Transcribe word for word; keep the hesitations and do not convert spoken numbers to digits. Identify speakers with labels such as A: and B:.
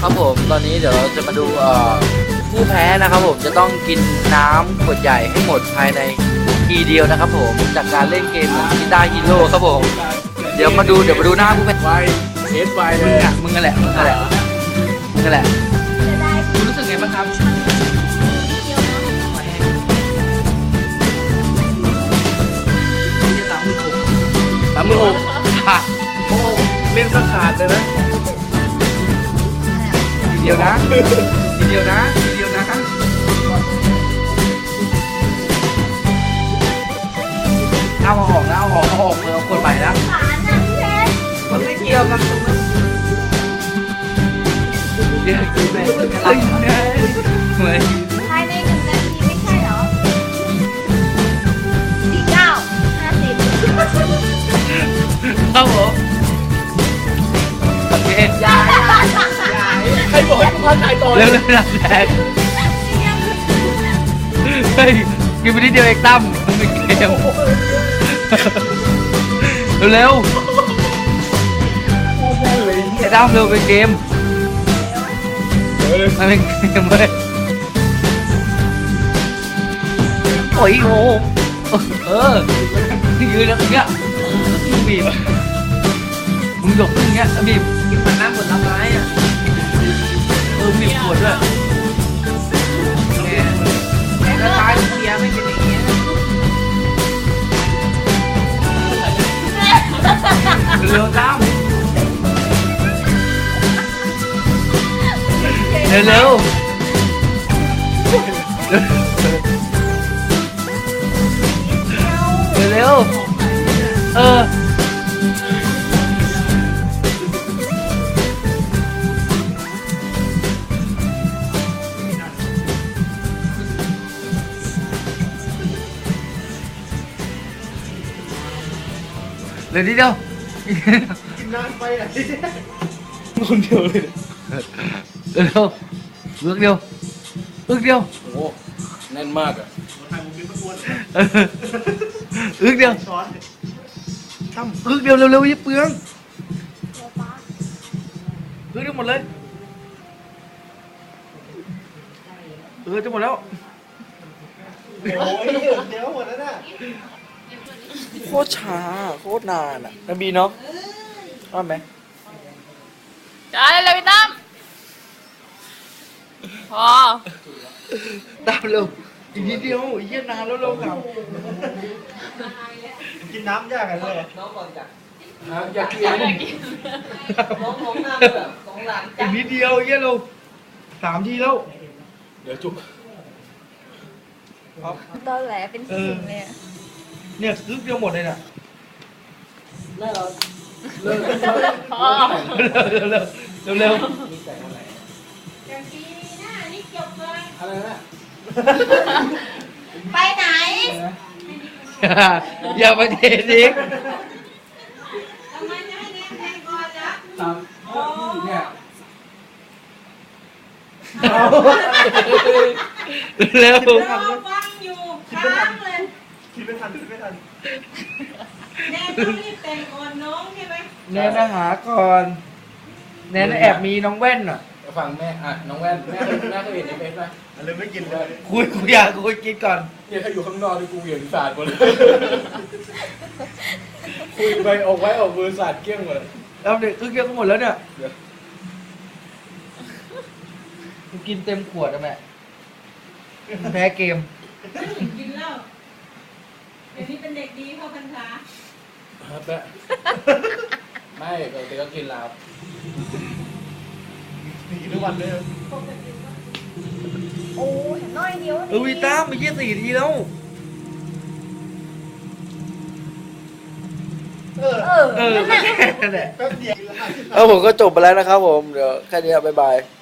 A: ครับผมตอนนี้เดี๋ยวเราจะมาดูเอ่อผู้แพ้นะครับผมจะต้องกินน้ำขวดใหญ่ให้หมดภายในทีเดียวนะครับผมจากการเล่นเกมกีตาร์ฮีโร่ครับผมเดี๋ยวมาดูเดี๋ยวมาดูหน้าผู้แพ้
B: ไวเอสไวเล
A: มึง
B: ย
A: อ่ะมึงนั่นแหละมึงนั่นแหละมึงนั่นแหละคุณรู้สึกไงบ้างครับสามหมื่นหกค่ะ
B: โอ้เล่นก็ขาดเลยนะ
A: ทีเดียวนะทีเดียวนะทีเดียวนะเอาออกนะเอาออกเอาออกเลยเอาคนใหม่นะมันไม่เกี่ยวกับตรงนั้นเดี๋ยวคือแบบเฮ้ยเหมือน
C: ภายในหนึ่งนาทีไม่ใช่เหรอสี่เก้าห้าสิบ
A: ครับผมโอเค
B: ยายยายยายใครบอกให้กูพาถ่ายต่อ
A: เร็วเร็วนะแดงเฮ้ยกินไปนิดเดียวเองตั้มมันเป็นเกมเร็วไอ้ตั้มเร็วเป็นเกมมันเป็นเกมเลยโอ้ยโอ้เออยืนแล้วอย่างเงี้ยบีบมึงหยกอย่างเงี้ยบีบกินมันน้ำหมดน้ำร้ายอ่ะเออบีบปวดด้วยแล้วตายเสียไม่เป็นอย่างเงี้ยเร็วตั้มเร็วเร็วเร็วเออเร็วนิดเดียว
B: กินน้ำไปไหนคนเดียวเลย
A: เร็วเลือกเดียวเลือกเดียว
B: โอ้แน่นมากอ่ะ
A: เออเลือกเดียวทำเลือกเดียวเร็วๆยิ่งเปลืองเลือกเดียวหมดเลยเออจะหมดแล้ว
B: โอ้ยเดี๋ยวหมดแล้วน่ะ
A: โคตรช้าโคตรนานอ่ะนบีเนาะว่าไหม
C: จ้าเลยพี่ตั้มพอ
A: ตามเร็วอีกนิดเดียวอีกเยี่ยนานแล้วเร็วครับ
B: กินน้ำยากกันเลยน้องก่อนจ้ะอยากกิน
A: น้องมองหน้าแบบสองหลังอีกนิดเดียวเยี่ยเร็วสามทีแล้ว
B: เดี๋ยวจุ๊บ
C: ตอนแหลเป็นสิ่งเลยอะ
A: เนี่ยซึกเดียวหมดเลยน่ะ
B: แม่เรา
C: พอ
A: เร็วเร็วเร็วเร็ว
B: มีแต่อะไร
C: อย่างปีหน้านี่จบเลย
B: อะไรนะ
C: ไปไหน
A: อย่าไปเททิ้ง
C: ทำไมจะให้แน่แน่ก่อนนะ
B: ตามเนี่ย
A: เร็ว
C: รอฟังอยู่ค้างเลย
B: คิดไม่ทันคิดไม่ทัน
C: แน่ต้องรีบแต่งก่อนน้องใช่ไหม
A: แนนนะหาก่อนแนนแอบมีน้องแว่นอ่ะ
B: ฟังแม่อ่ะน้องแว่นแม่แม่เคยเห็นในเฟซไหมเลยไม่กินเลย
A: คุยคุยอยากคุยกินก่อน
B: เนี่ยถ้าอยู่ข้างนอกนี่กูเหวี่ยงสาดหมดเลยคุยไปออกไว้ออกมือสาดเกลี้ยงหมดเลย
A: แล้วเด็กคือเกี่ยวกันหมดแล้วเนี่ย
B: เดี๋ยว
A: กูกินเต็มขวดอะแม่แพ้เกม
C: กินเหล้าเดี๋ยวนี้เป็นเด็กดีเข้าพรรษา
B: ครับแม่ไม่ปกติก็กินแล้วกินทุกวันเลย
C: โอ้ยน้อยเดียว
A: เออวีต้ามาเยี่ยสี่ทีแล้ว
B: เออ
C: เออ
A: เออ
C: นั่นแหละ
A: นั่นแหละ
B: แป๊บเดียว
A: เออผมก็จบไปแล้วนะครับผม เดี๋ยวแค่นี้บ๊ายบาย